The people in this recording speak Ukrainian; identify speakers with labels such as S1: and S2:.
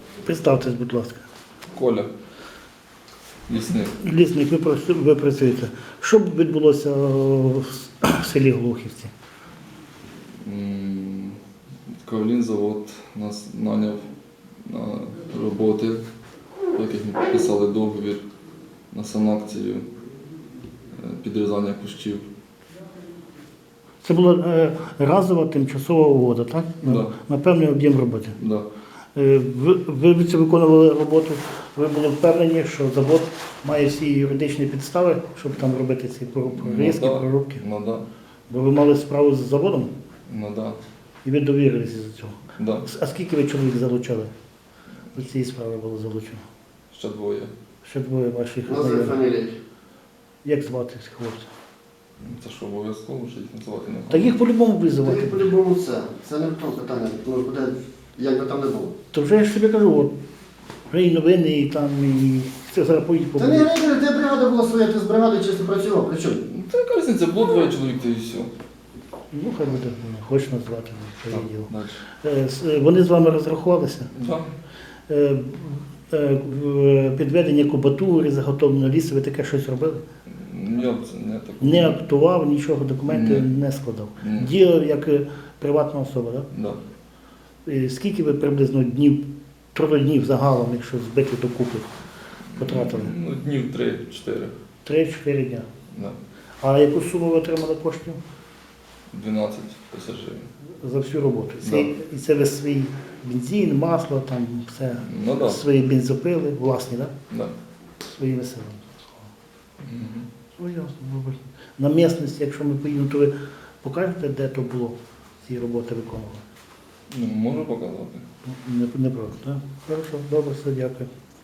S1: Представтесь, будь ласка.
S2: Коля. Лісник.
S1: Лісник, ви працюєте. Що б відбулося в селі Глухівці?
S2: Кавлін-завод нас наняв на роботи, по яких ми підписали договір на санакцію, підрізання кущів.
S1: Це була разова тимчасова угода, так?
S2: Да.
S1: На певний об'єм роботи.
S2: Да.
S1: Ви це виконували роботу, ви були впевнені, що завод має всі юридичні підстави, щоб там робити ці прорізки, прорубки?
S2: Ну да.
S1: Бо ви мали справу з заводом
S2: Ну да.
S1: і ви довірилися до цього.
S2: Да.
S1: А скільки ви чоловік залучали? До цієї справи було залучено?
S2: Ще двоє.
S1: Ще двоє ваших
S3: Назви
S1: знайомих.
S3: фамілії.
S1: Як звати цих хлопців?
S2: Це що, обов'язково, що їх називати не
S1: Та їх по-любому
S3: Та
S1: визивати.
S3: й по-любому це. Це не в тому питання. Ну, куди, як би там не було.
S1: То вже я ж тобі кажу, от, вже і новини, і там, і це зараз поїдь
S3: Та не рейдери, де бригада була своя, ти з бригадою чисто працював. При чому?
S2: Та яка різниця, було двоє чоловік, та і все.
S1: Ну, хай буде, хочеш назвати, це
S2: Так,
S1: діло.
S2: далі.
S1: Вони з вами розрахувалися?
S2: Да.
S1: Підведення кубатури, заготовлення лісу, ви таке щось робили?
S2: Я б це не так.
S1: Не актував, нічого, документи
S2: Ні.
S1: не складав.
S2: Ні.
S1: Діяв як приватна особа, так?
S2: Да.
S1: Скільки ви приблизно днів, трудоднів загалом, якщо збити докупи, потратили?
S2: Ну, днів 3-4.
S1: 3-4 дня.
S2: Да.
S1: А яку суму ви отримали коштів
S2: 12 тисяч гривень.
S1: за всю роботу?
S2: Да.
S1: І це ви свій бензин, масло, там все,
S2: Ну да.
S1: свої бензопили, власні, так?
S2: Да.
S1: Своїми силами.
S2: Мгм.
S1: Ну, ясно, добре. На місцевості, якщо ми поїдемо, то ви покажете, де то було, ці роботи виконували?
S2: Ну, можу показати.
S1: Не проти, так? Хорошо, добре, все, дякую.